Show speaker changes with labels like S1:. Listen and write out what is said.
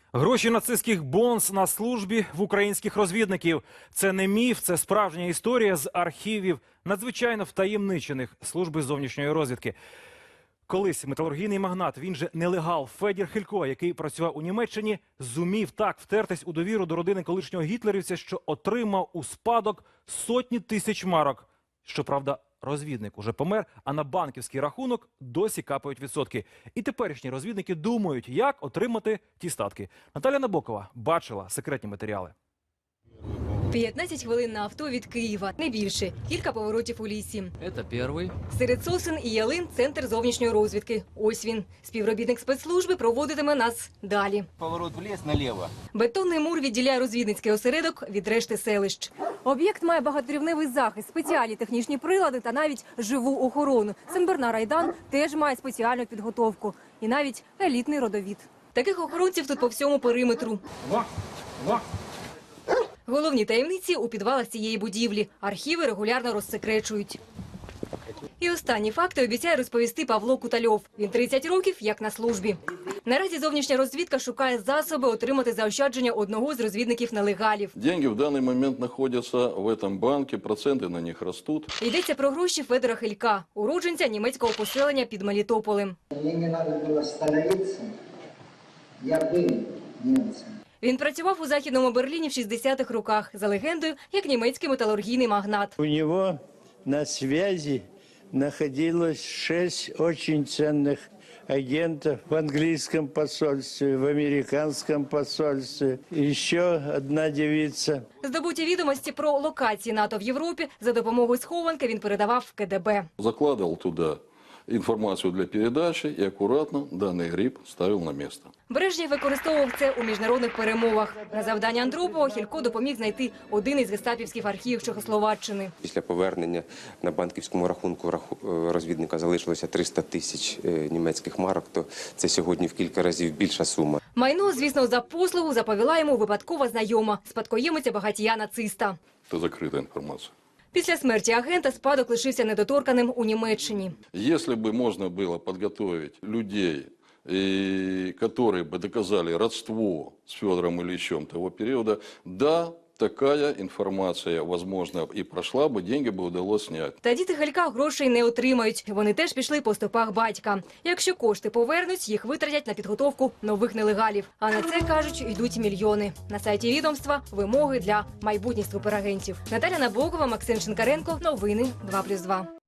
S1: Гроші нацистських бонз на службі в українських розвідників. Це не міф, це справжня історія з архівів надзвичайно втаємничених служби зовнішньої розвідки. Колись металургійний магнат, він же нелегал Федір Хилько, який працював у Німеччині, зумів так втертись у довіру до родини колишнього гітлерівця, що отримав у спадок сотні тисяч марок. Щоправда, розвідник уже помер, а на банківський рахунок досі капають відсотки. І теперішні розвідники думають, як отримати ті статки. Наталя Набокова бачила секретні матеріали.
S2: 15 хвилин на авто від Києва, не більше. Кілька поворотів у лісі.
S3: Это первый.
S2: Серед сосен і ялин – центр зовнішньої розвідки. Ось він. Співробітник спецслужби проводитиме нас далі.
S4: Поворот в ліс наліво.
S2: Бетонний мур відділяє розвідницький осередок від решти селищ. Об'єкт має багаторівневий захист, спеціальні технічні прилади та навіть живу охорону. Сенбернар-Айдан теж має спеціальну підготовку. І навіть елітний родовід. Таких охоронців тут по всьому периметру. Головні таємниці у підвалах цієї будівлі. Архіви регулярно розсекречують. І останні факти обіцяє розповісти Павло Кутальов. Він 30 років як на службі. Наразі зовнішня розвідка шукає засоби отримати заощадження одного з розвідників-нелегалів.
S5: Деньги в данный момент находятся в этом банке, проценты на них растут.
S2: Йдеться про гроші Федора Хилька, уродженця німецького поселення під Мелітополем.
S6: Мне не надо было становиться, я был немцем.
S2: Він працював у Західному Берліні в 60-х роках, за легендою, як німецький металургійний магнат.
S7: У него на связи находилось 6 очень ценных агентов в английском посольстве, в американском посольстве. Еще одна девица.
S2: Здобуті відомості про локації НАТО в Європі за допомогою схованки він передавав в КДБ.
S5: Закладывал туда информацию для передачи и аккуратно данный гриб ставил на место.
S2: Брежнєв використовував це у міжнародних перемовах. На завдання Андропова Хилько допоміг знайти один із гестапівських архівів Чехословаччини.
S8: Після повернення на банківському рахунку розвідника залишилося 300 тисяч німецьких марок, то це сьогодні в кілька разів більша сума.
S2: Майно, звісно, за послугу заповіла йому випадкова знайома, спадкоємиця багатія-нациста.
S5: Это закрытая информация.
S2: Після смерті агента спадок лишився недоторканим у Німеччині.
S5: Если бы можно было подготовить людей, которые бы доказали родство с Федором Ильичем того периода, да, такая информация, возможно, и прошла бы, деньги бы удалось снять.
S2: Та діти Хилька грошей не отримають. Вони теж пішли по стопах батька. Якщо кошти повернуть, їх витратять на підготовку нових нелегалів. А на це, кажуть, йдуть мільйони. На сайті відомства вимоги для майбутніх суперагентів. Наталя Набокова, Максим Шинкаренко. Новини 2+2.